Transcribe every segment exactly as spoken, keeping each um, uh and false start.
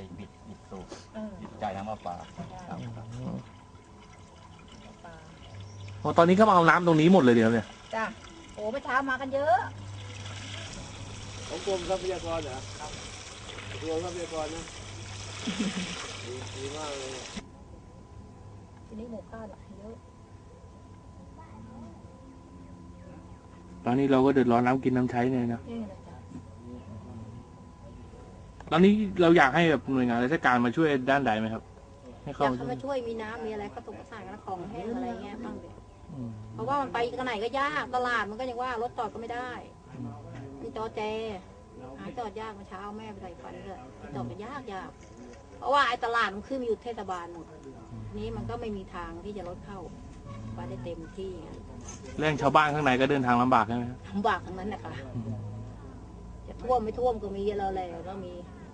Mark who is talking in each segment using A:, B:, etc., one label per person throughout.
A: บิดบิดสูบบิดจ่ายน้ำประปาครับ
B: โอ้ตอนนี้ก็มาเอาน้ำตรงนี้หมดเลยเดี๋ยวเนี่ย
C: จ้ะโอ้เมื่อเช้ามากันเยอะ
D: ของกรมทรัพยากรเหรอครับกรมทรัพยากรนะดีมากเลย
C: ทีนี้หมู่บ้านเยอะ
B: ตอนนี้เราก็เดือดร้อนน้ำกินน้ำใช้เนี่ยนะตอนนี้เราอยากให้แบบหน่วยงานราชการมาช่วยด้านใดไหมครับให้เขา
C: มาช่วยมีน้ำมีอะไรก็ตกกระสานกระของแห้งอะไรเงี้ยบ้างเดี๋ยวเพราะว่ามันไปกันไหนก็ยากตลาดมันก็ยังว่ารถจอดก็ไม่ได้มันจอแจหาจอดยากมาเช้าแม่ไปใส่ฟันเลยจอดก็ยากยากเพราะว่าไอ้ตลาดมันขึ้นอยู่เทศบาลหมดนี้มันก็ไม่มีทางที่จะรถเข้าไปได้เต็มที่
B: เรื่องชาวบ้านข้างในก็เดินทางลำบากใช่ไหม
C: ลำบากทั้งนั้นแหละค่ะจะท่วมไม่ท่วมก็มีเราแล้วก็มี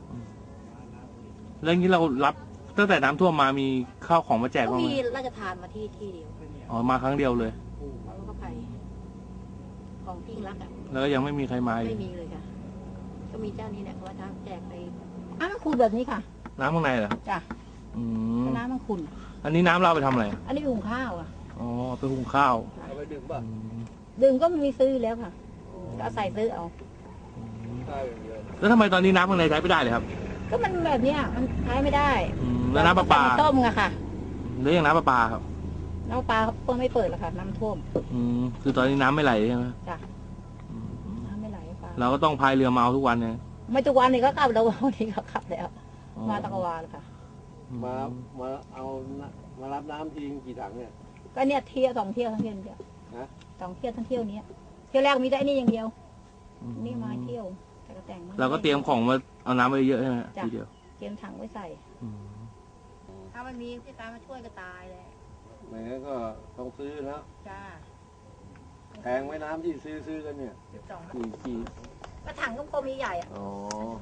B: เรื่องนี้เรารับตั้งแต่น้ำท่วมมามีข้าวของมาแจก
C: ก็
B: บ้างไหม
C: มีราชทานมาที่ที่เดียว
B: อ๋อมาครั้งเดียวเลย
C: แล้วก็ไปของทิ้งรักอ่ะ
B: แล้วก็ยังไม่มีใครมา
C: ไม่มีเลยค่ะก็มีเจ้านี้เนี่ยเขาทำแจกไปน้ำมันขุ่นแบบนี้ค่ะ
B: น้ำข้างในเหรอ
C: จ้ะ
B: อืม
C: น้ำมันขุ่น
B: อันนี้น้ำเราไปทำอะไร
C: อันนี้หุงข้าวอ่ะ
B: อ๋อไปหุงข้าว
D: เอาไปดื่มป่ะ
C: ดื่มก็มีซื้อแล้วค่ะก็ใส่ซื้อเอา
B: แล้วทำไมตอนนี้น้ำข้างในใช้ไม่ได้เลยครับ
C: ก็มันแบบเนี้ยมันใช้ไม่ได้
B: แล้วน้ำประปา
C: ต้มอะค่ะ
B: หรือยังน้ำประปาครับ
C: น้ำประปาเพิ่งไม่เปิดแล้วค่ะน้ำท่วม
B: อืมคือตอนนี้น้ำไม่ไหลใช่ไหม
C: จ้ะน้ำไม่ไหลปลา
B: เราก็ต้องพายเรือมาทุกวันเนี่ย
C: ไม่ทุกวันนี้ก็ขับแล้ววันนี้ก็ขับแล้วมาตะกวาเลยค่ะ
D: มามาเอามารับน้ำทีกี่ถังเนี่ย
C: ก็เนี่ยเที่ยวสองเที่ยวทั้งเที่ยวเดียวสองเที่ยวทั้งเที่ยวนี้เที่ยวแรกมีได้นี่อย่างเดียวนี่มาเที่ยวแต่ก็แต่ง
B: เราก็เตรียมของมาเอาน้ำไปเยอะใช่ไหมทีเดียว
C: เตรียมถังไว้ใส่ถ้ามันมีพี่การมาช่วยก็ตายเลย
D: ไม่งั้นก็ต้องซื้อแล้ว
C: จ้า
D: แพงไว้น้ำที่ซื้อซื้อกันเนี่ยกี่กี่
C: ก็ถังก็พอมีใหญ่อ่ะ
D: อ๋อ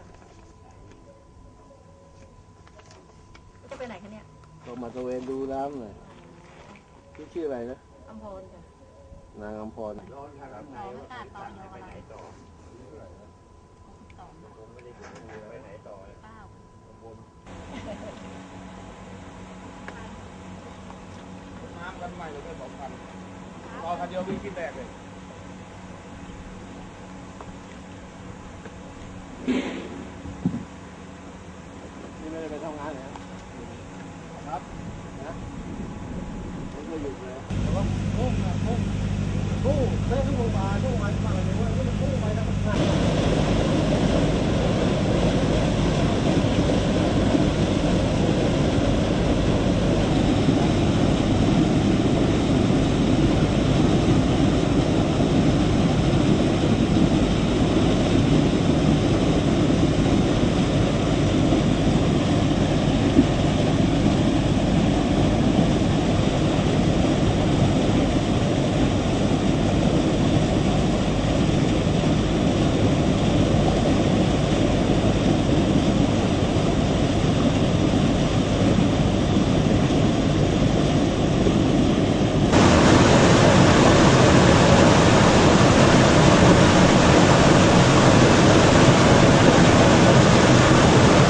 C: จะไปไหนคะเนี่ย
D: ก็มาตะเวนดูน้ำหน่อยชื่อชื่ออะไรนะ
C: อัมพรจ้ะ
D: นางอัมพร
C: ต่อไม่ตัดต่อยออะไรไปไหนต่อข้าว
D: น้ำกันใหม่เลยสองพันรอคันเดียววิ่งกินแตกเลยนี่ไม่ได้ไปทำงานนะครับนะไม่ได้หยุดเลยแต่ว่าพุ่งนะพุ่งพุ่งได้ทุกโรงพยาบาลทุกวันมาเลยว่าพุ่งไปแล้วมัน